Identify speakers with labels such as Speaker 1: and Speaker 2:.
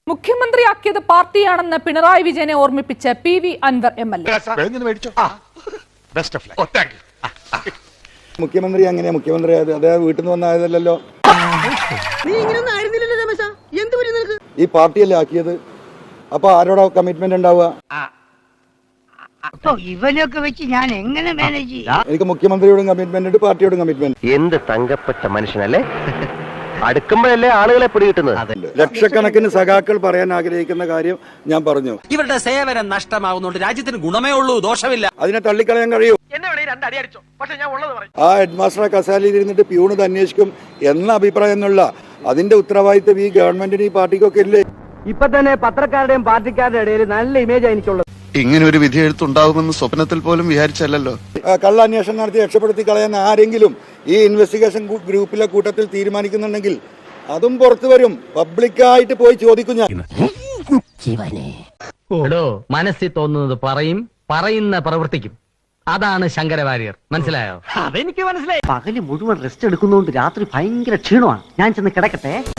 Speaker 1: മുഖ്യമന്ത്രിയാക്കിയത് പാർട്ടിയാണെന്ന് പിണറായി വിജയനെ ഓർമ്മിപ്പിച്ച് പി വി അൻവർ MLA.
Speaker 2: മുഖ്യമന്ത്രി അങ്ങനെ മുഖ്യമന്ത്രി അദ്ദേഹം വീട്ടിൽ നിന്ന് വന്നായതല്ലോ. ഈ പാർട്ടിയല്ലേ ആക്കിയത്. അപ്പൊ ആരോടാ കമ്മിറ്റ്മെന്റ് ഉണ്ടാവുക?
Speaker 3: ഇവനൊക്കെ വെച്ച് ഞാൻ എങ്ങനെ മാനേജ് ചെയ്യും?
Speaker 2: എനിക്ക് മുഖ്യമന്ത്രിയോടും കമ്മിറ്റ്മെന്റ് ഉണ്ട്, പാർട്ടിയോടും കമ്മിറ്റ്മെന്റ്.
Speaker 4: എന്ത് തങ്കപ്പെട്ട മനുഷ്യനല്ലേ. അടുക്കുമ്പോഴല്ലേ ആളുകളെ പിടികിട്ടുന്നത്.
Speaker 2: ലക്ഷക്കണക്കിന് സഖാക്കൾ പറയാൻ ആഗ്രഹിക്കുന്ന കാര്യം ഞാൻ പറഞ്ഞു.
Speaker 5: ഇവരുടെ സേവനം നഷ്ടമാകുന്നുണ്ട്. രാജ്യത്തിന് ഗുണമേ ഉള്ളൂ, ദോഷമില്ല.
Speaker 2: അതിനെ തള്ളിക്കളയാൻ കഴിയൂ. ആ ഹെഡ് മാസ്റ്റർ കസാലയിൽ ഇരുന്നിട്ട് പ്യൂണിത് അന്വേഷിക്കും എന്ന അഭിപ്രായം എന്നുള്ള അതിന്റെ ഉത്തരവാദിത്വം ഈ ഗവൺമെന്റിന് ഈ പാർട്ടിക്കൊക്കെ ഇല്ലേ?
Speaker 6: ഇപ്പൊ തന്നെ പത്രക്കാരുടെയും പാർട്ടിക്കാരുടെ ഇടയിൽ നല്ല ഇമേജ് എനിക്കുള്ളത്.
Speaker 7: ഇങ്ങനെ ഒരു വിധി എഴുത്തുണ്ടാവുമെന്ന് സ്വപ്നത്തിൽ പോലും വിചാരിച്ചല്ലോ.
Speaker 2: കള്ള അന്വേഷണം നടത്തി രക്ഷപ്പെടുത്തി കളയാൻ ആരെങ്കിലും ഈ ഇൻവെസ്റ്റിഗേഷൻ ഗ്രൂപ്പിലെ കൂട്ടത്തിൽ തീരുമാനിക്കുന്നുണ്ടെങ്കിൽ അതും പുറത്തു വരും. പബ്ലിക്കായിട്ട് പോയി ചോദിക്കും ഞാൻ.
Speaker 6: മനസ്സിൽ തോന്നുന്നത് പറയും, പറയുന്ന പ്രവർത്തിക്കും. അതാണ് ശങ്കരവാര്യർ. മനസ്സിലായോ? അതെനിക്ക് മനസ്സിലായി.
Speaker 3: പകല് മുഴുവൻ റെസ്റ്റ് എടുക്കുന്നതുകൊണ്ട് രാത്രി ഭയങ്കര ക്ഷീണമാണ്. ഞാൻ ചെന്ന് കിടക്കട്ടെ.